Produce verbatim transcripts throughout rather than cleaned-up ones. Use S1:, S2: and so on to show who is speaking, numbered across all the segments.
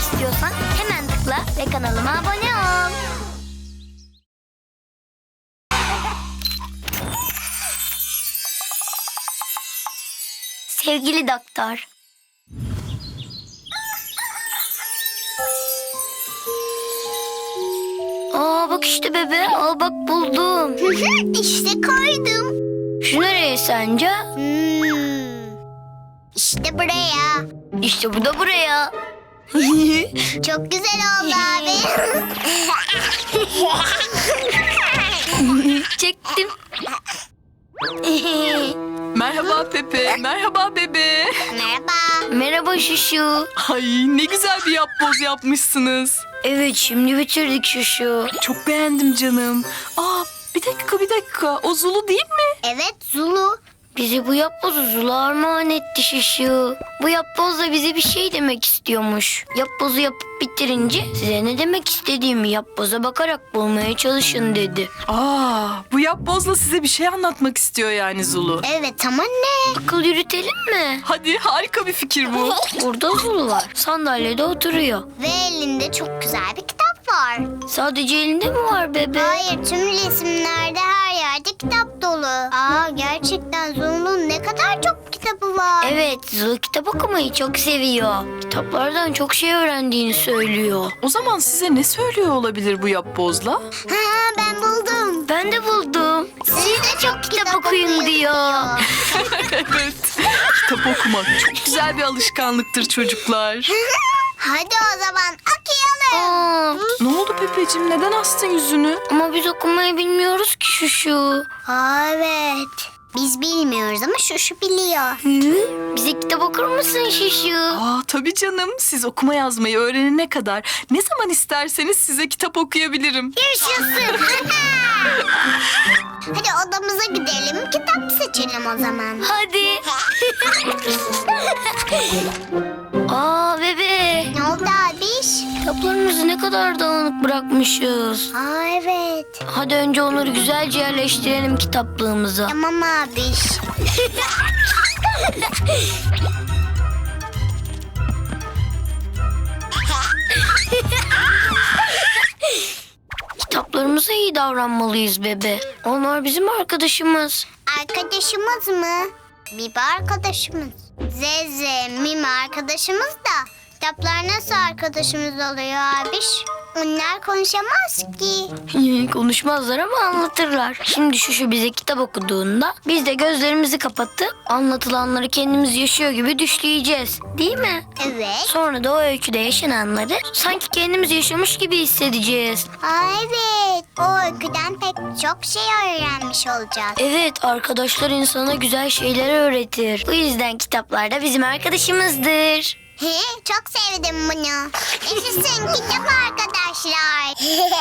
S1: istiyorsan hemen tıkla ve kanalıma abone ol. Sevgili doktor. Aa bak işte bebe. Al bak buldum.
S2: İşte koydum.
S1: Şu nereye sence?
S2: Hmm. İşte buraya.
S1: İşte bu da buraya.
S2: Çok güzel oldu abi.
S1: Çektim.
S3: Merhaba Pepe, merhaba bebe.
S2: Merhaba.
S1: Merhaba Şuşu.
S3: Ay ne güzel bir yapboz yapmışsınız.
S1: Evet şimdi bitirdik Şuşu.
S3: Çok beğendim canım. Aa bir dakika bir dakika, o Zulu değil mi?
S2: Evet Zulu.
S1: Bizi bu yapbozu Zula armağan etti Şuşu. Bu yapboz da bize bir şey demek istiyormuş. Yapbozu yapıp bitirince size ne demek istediğimi yapboza bakarak bulmaya çalışın dedi.
S3: Aa bu yapbozla size bir şey anlatmak istiyor yani Zulu.
S2: Evet ama ne?
S1: Akıl yürütelim mi?
S3: Hadi harika bir fikir bu.
S1: Burada Zulu var. Sandalyede oturuyor.
S2: Ve elinde çok güzel bir kitap var.
S1: Sadece elinde mi var bebe?
S2: Hayır, tüm resimlerde her yerde kitap dolu. Aa, gerçekten Zulu'nun ne kadar çok kitabı var.
S1: Evet, Zulu kitap okumayı çok seviyor. Kitaplardan çok şey öğrendiğini söylüyor.
S3: O zaman size ne söylüyor olabilir bu yapbozla?
S2: Ha, ben buldum.
S1: Ben de buldum.
S2: Siz de çok
S1: Kitap okuyun diyor.
S3: Evet, kitap okumak çok güzel bir alışkanlıktır çocuklar.
S2: Hadi o zaman okuyalım.
S1: Aa,
S3: Ne oldu Pepeciğim, neden astın yüzünü?
S1: ama biz okumayı bilmiyoruz ki Şuşu.
S2: Aa, evet. Biz bilmiyoruz ama şu şu biliyor.
S1: Hı? Bize kitap okur musun Şuşu?
S3: Aa tabii canım, siz okuma yazmayı öğrenene kadar ne zaman isterseniz size kitap okuyabilirim.
S2: Yaşasın. Hadi odamıza gidelim. Kitap seçelim o zaman.
S1: Hadi. Aa bebe.
S2: Ne oldu abiş?
S1: Kitaplarımızı ne kadar dağınık bırakmışız.
S2: Aa, evet.
S1: Hadi önce onları güzelce yerleştirelim kitaplığımıza.
S2: Tamam abiş.
S1: Kitaplarımıza iyi davranmalıyız bebe. Onlar bizim arkadaşımız.
S2: Arkadaşımız mı? Bibi arkadaşımız. Zeze, Mimi arkadaşımız da kitaplar nasıl arkadaşımız oluyor abiş? Onlar konuşamaz ki.
S1: Konuşmazlar ama anlatırlar. Şimdi şu şu bize kitap okuduğunda biz de gözlerimizi kapatıp anlatılanları kendimiz yaşıyor gibi düşleyeceğiz. Değil mi?
S2: Evet.
S1: Sonra da o öyküde yaşananları sanki kendimiz yaşamış gibi hissedeceğiz.
S2: Aa, evet. O öyküden pek çok şey öğrenmiş olacağız.
S1: Evet, arkadaşlar insana güzel şeyler öğretir. Bu yüzden kitaplar da bizim arkadaşımızdır.
S2: He, çok sevdim bunu. Yaşasın kitap arkadaşlar.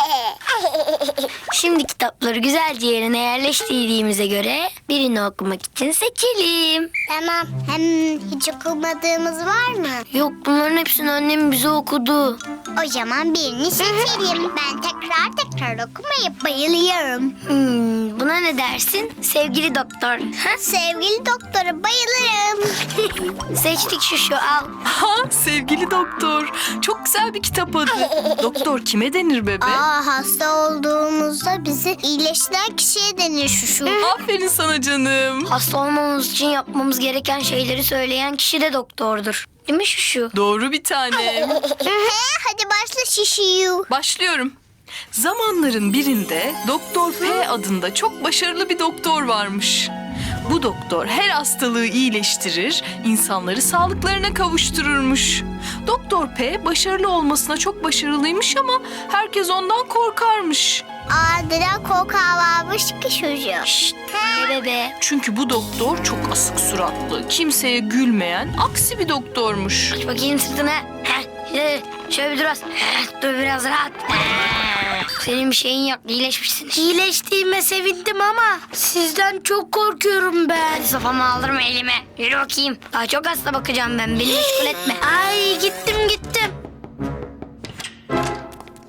S1: Şimdi kitapları güzelce yerine yerleştirdiğimize göre birini okumak için seçelim.
S2: Tamam. Hem hiç okumadığımız var mı?
S1: Yok, bunların hepsini annem bize okudu.
S2: O zaman birini seçelim. Ben tekrar tekrar okumayı bayılıyorum.
S1: Hmm, buna ne dersin sevgili doktor? Ha?
S2: Sevgili doktora bayılırım.
S1: Seçtik şu şu al.
S3: Ha sevgili doktor, çok güzel bir kitap adı. Doktor kime denir bebe?
S2: Aa, hasta olduğumuzda bizi iyileştiren kişiye denir şu şu.
S3: Aferin sana canım.
S1: Hasta olmamız için yapmamız gereken şeyleri söyleyen kişi de doktordur. Değil mi şu şu?
S3: Doğru bir tanem.
S2: Hadi başla şişiyu.
S3: Başlıyorum. Zamanların birinde Doktor P adında çok başarılı bir doktor varmış. Bu doktor her hastalığı iyileştirir, insanları sağlıklarına kavuştururmuş. Doktor P başarılı olmasına çok başarılıymış ama herkes ondan korkarmış.
S2: Aa, neden korkağı varmış ki çocuğu?
S1: Şşt, ne bebe?
S3: Çünkü bu doktor çok asık suratlı, kimseye gülmeyen, aksi bir doktormuş.
S1: Aç bakayım sırtını. Heh, şöyle, şöyle bir dur az. Heh, dur biraz rahat. Heh. Senin bir şeyin yok, iyileşmişsin.
S4: İyileştiğime sevindim ama sizden çok korkuyorum ben.
S1: Hadi sopamı aldırma elime. Yürü bakayım. Daha çok hasta bakacağım ben. Beni meşgul etme.
S4: Ay, gittim gittim.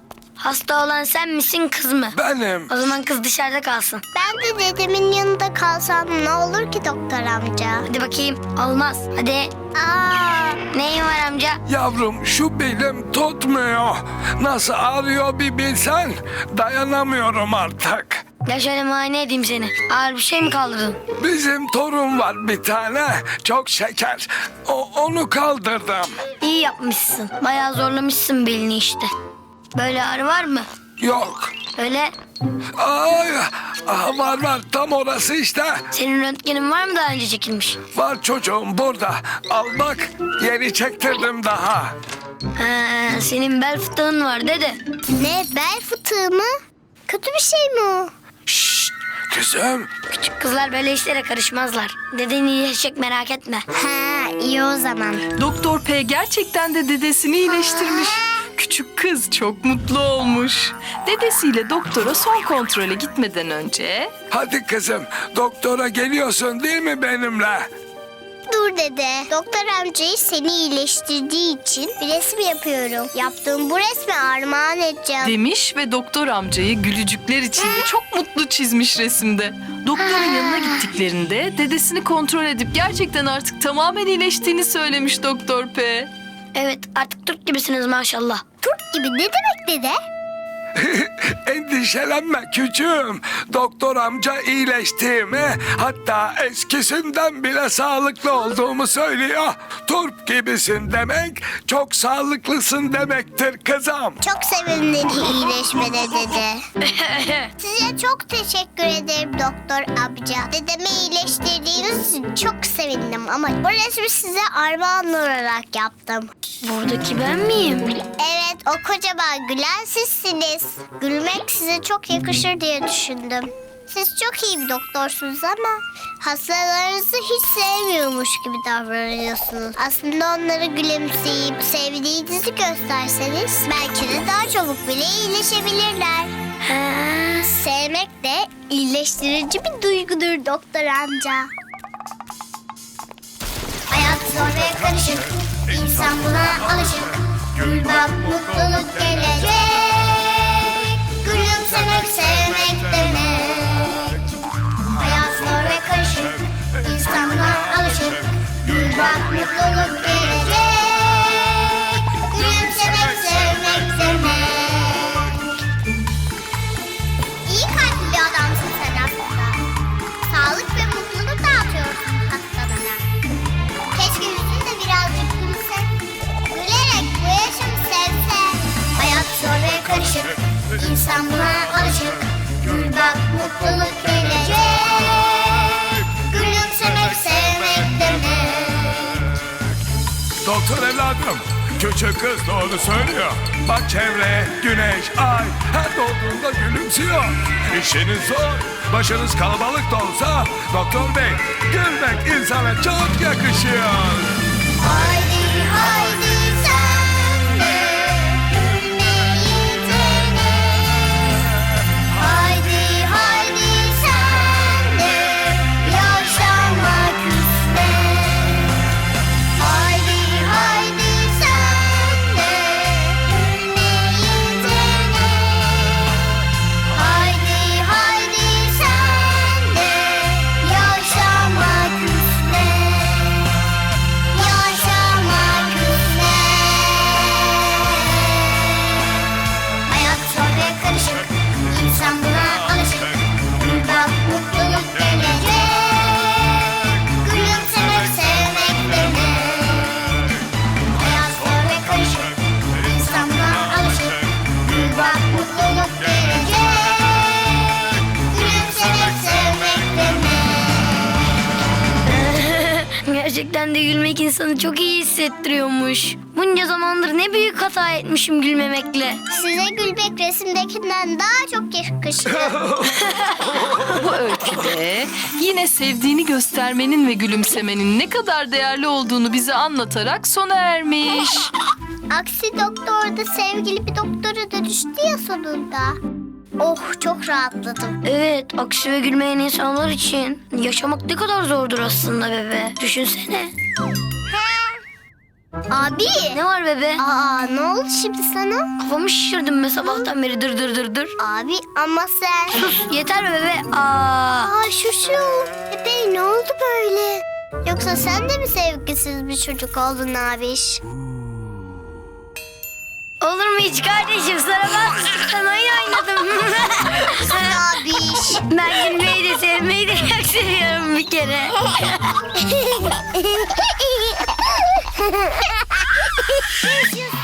S1: Hasta olan sen misin kız mı?
S5: Benim.
S1: O zaman kız dışarıda kalsın.
S2: Ben de dedemin yanında kalsam ne olur ki doktor amca?
S1: Hadi bakayım. Olmaz. Hadi.
S2: Aa,
S1: Neyin var amca?
S5: Yavrum şu belim tutmuyor. Nasıl ağrıyor bir bilsen. Dayanamıyorum artık.
S1: Gel şöyle muayene edeyim seni. Ağır bir şey mi kaldırdın?
S5: Bizim torun var bir tane. Çok şeker. O, onu kaldırdım.
S1: İyi yapmışsın. Bayağı zorlamışsın belini işte. Böyle ağrı var mı?
S5: Yok.
S1: Öyle.
S5: Ay, ah, var var tam orası işte.
S1: Senin röntgenin var mı daha önce çekilmiş?
S5: Var çocuğum burada. Al bak yeni çektirdim daha.
S1: Ha, senin bel fıtığın var dede.
S2: ne bel fıtığı mı? Kötü bir şey mi o?
S5: Şşt kızım.
S1: Küçük kızlar böyle işlere karışmazlar. Deden iyileşecek merak etme.
S2: Ha, iyi o zaman.
S3: Doktor P gerçekten de dedesini iyileştirmiş. Küçük kız çok mutlu olmuş. Dedesiyle doktora son kontrole gitmeden önce...
S5: Hadi kızım doktora geliyorsun değil mi benimle?
S2: Dur dede. Doktor amcayı seni iyileştirdiği için bir resim yapıyorum. Yaptığım bu resmi armağan edeceğim.
S3: Demiş ve doktor amcayı gülücükler içinde çok mutlu çizmiş resimde. Doktorun yanına gittiklerinde dedesini kontrol edip gerçekten artık tamamen iyileştiğini söylemiş Doktor P.
S1: Evet artık Türk gibisiniz maşallah.
S2: Turp gibi ne demek dede?
S5: Endişelenme küçüğüm. Doktor amca iyileştiğimi hatta eskisinden bile sağlıklı olduğumu söylüyor. Turp gibisin demek çok sağlıklısın demektir kızım.
S2: Çok sevindim iyileşmene dede. Size çok teşekkür ederim doktor amca. Dedemi iyileştirdiğiniz için çok sevindim ama bu resmi size armağan olarak yaptım.
S1: Buradaki ben miyim?
S2: Evet, o kocaman gülen sizsiniz. Gülmek size çok yakışır diye düşündüm. Siz çok iyi bir doktorsunuz ama hastalarınızı hiç sevmiyormuş gibi davranıyorsunuz. Aslında onları gülümseyip sevdiğinizi gösterseniz belki de daha çabuk bile iyileşebilirler.
S1: Ha,
S2: Sevmek de iyileştirici bir duygudur doktor amca. Hayat zor ve karışık, insan buna alışık. Gül bak mutluluk gelecek. Gülümsemek sevmek demek. Hayat zor ve karışık, insan buna alışık. Gül bak mutluluk gelecek. Gülümsemek sevmek demek. İyi kalpli bir adamsın sen aslında. Sağlık ve mutluluk dağıtıyorsun hastalara. Keşke yüzün de birazcık gülse. Gülerek bu yaşamı sevse. Hayat zor ve karışık. İnsan buna alışık. Gül bak mutluluk gelecek. Gülümsemek sevmek demek.
S5: Doktor evladım, küçük kız doğru söylüyor. Bak çevre, güneş, ay her doğduğunda gülümsüyor. İşiniz zor, başınız kalabalık da olsa doktor bey gülmek insana çok yakışıyor.
S2: Haydi haydi sen de gülmeyi dene. Haydi haydi sen de yaşamak üstüne. Haydi haydi sen de gülmeyi dene. Haydi haydi sen de yaşamak üstüne. Yaşamak üstüne. Hayat zor ve karışık, insan buna alışık. Gül bak mutluluk gelecek. Gülümsemek sevmek demek. Hayat zor ve karışık, insan buna alışık. Gül bak mutluluk gelecek. Gülümsemek sevmek demek.
S1: gerçekten de gülmek insanı çok iyi hissettiriyormuş. Bunca zamandır ne büyük hata etmişim gülmemekle.
S2: Size gülmek resimdekinden daha çok yakışır.
S3: Bu öyküde yine sevdiğini göstermenin ve gülümsemenin ne kadar değerli olduğunu bize anlatarak sona ermiş.
S2: Aksi doktor da sevgili bir doktora dönüştü ya sonunda. Oh, çok rahatladım.
S1: Evet, aksi ve gülmeyen insanlar için yaşamak ne kadar zordur aslında bebe. Düşünsene.
S2: Abi.
S1: Ne var bebe?
S2: Aa, ne oldu şimdi sana?
S1: Kafamı şişirdim be sabahtan beri dır dır dır dır.
S2: Abi ama sen...
S1: Sus yeter be bebe. Aa.
S2: Aa şu şu. Pepe ne oldu böyle? Yoksa sen de mi sevgisiz bir çocuk oldun abiş?
S1: Olur mu hiç kardeşim? Sana bastıktan oyun oynadım.
S2: Abiş.
S1: Ben gülmeyi de sevmeyi de çok seviyorum bir kere.
S2: Yaşasın.